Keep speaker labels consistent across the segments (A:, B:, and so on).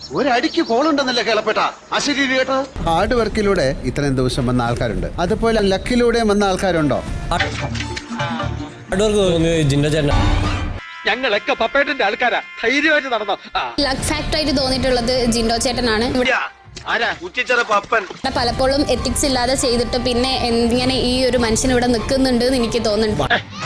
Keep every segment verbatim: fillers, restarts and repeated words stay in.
A: ഒരടിക്ക് കോളുണ്ടെന്നല്ലേ കേളപ്പെട്ട അശരീരി കേട്ടോ.
B: ഹാർഡ് വർക്കിലൂടെ ഇത്രയും ദിവസം വന്ന ആൾക്കാരുണ്ട്, അതുപോലെ ലക്കിലൂടെ വന്ന ആൾക്കാരുണ്ടോ?
A: ഞങ്ങളൊക്കെ പപ്പേട്ടന്റെ ആൾക്കാരാ, ധൈര്യമായിട്ട് നടന്നോ.
C: ലക്ക് ഫാക്ടർ ആയിട്ട് തോന്നിയിട്ടുള്ളത് ജിൻഡോ ചേട്ടനാണ്. പലപ്പോഴും എത്തിക്സ് ഇല്ലാതെ ചെയ്തിട്ട് പിന്നെ എങ്ങനെ ഈ ഒരു മനുഷ്യൻ ഇവിടെ നിൽക്കുന്നുണ്ട് എന്ന് എനിക്ക് തോന്നുന്നുണ്ട്.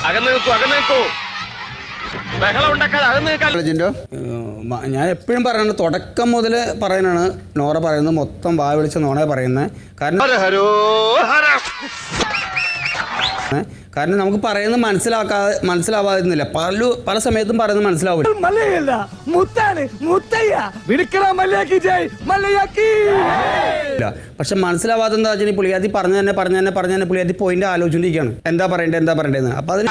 B: ജിൻഡോ,
D: ഞാൻ എപ്പോഴും പറയുന്നത് തുടക്കം മുതൽ പറയുന്നതാണ് നോറ പറയുന്നത് മൊത്തം വാ വിളിച്ച നോണ പറയുന്നത്. കാരണം കാരണം നമുക്ക് പറയുന്നത് മനസ്സിലാക്കാതെ മനസ്സിലാവാതിരുന്നില്ല. പല പല സമയത്തും പറയുന്നത് മനസ്സിലാവില്ല. പക്ഷെ മനസ്സിലാവാതെ എന്താ വെച്ചാൽ പുള്ളിയാത്തി പറഞ്ഞു തന്നെ പറഞ്ഞു തന്നെ പറഞ്ഞു തന്നെ പുള്ളിയാത്തി പോയിന്റ് ആലോചിച്ചിരിക്കുകയാണ് എന്താ പറയണ്ടേ എന്താ പറയണ്ടേന്ന്. അപ്പൊ അതിന്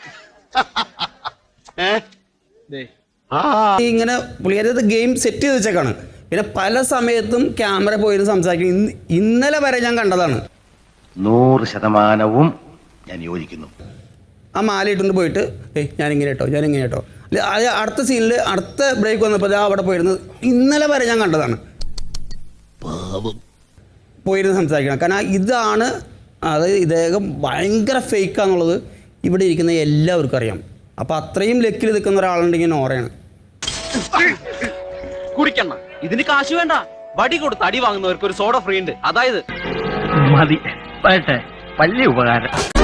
D: ഇങ്ങനെ പുള്ളിയാത്തി ഗെയിം സെറ്റ് ചെയ്ത് വെച്ചേക്കാണ്. പിന്നെ പല സമയത്തും ക്യാമറ പോയിരുന്ന് സംസാരിക്കും. ഇന്നലെ വരെ ഞാൻ കണ്ടതാണ്.
E: നൂറ് ശതമാനവും ഞാൻ യോജിക്കുന്നു.
D: ആ മാല ഇട്ടുകൊണ്ട് പോയിട്ട് ഏയ് ഞാനിങ്ങനെ കേട്ടോ ഞാനിങ്ങനെ കേട്ടോ അത് അടുത്ത സീനിൽ അടുത്ത ബ്രേക്ക് വന്നപ്പോൾ അവിടെ പോയിരുന്നത് ഇന്നലെ വരെ ഞാൻ കണ്ടതാണ്. പോയിരുന്ന് സംസാരിക്കണം. കാരണം ഇതാണ്, അതായത് ഇദ്ദേഹം ഭയങ്കര ഫേക്കാന്നുള്ളത് ഇവിടെ ഇരിക്കുന്ന എല്ലാവർക്കും അറിയാം. അപ്പം അത്രയും ലക്കിൽ നിൽക്കുന്ന ഒരാളുണ്ടെങ്കിൽ നോറയാണ്.
F: കുടിക്കണ്ട, ഇതിന് കാശ് വേണ്ട. വടി കൊടുത്ത് അടി വാങ്ങുന്നവർക്ക് ഒരു സോഡ ഫ്രീ ഉണ്ട്. അതായത്
E: മതി, വലിയ ഉപകാരം.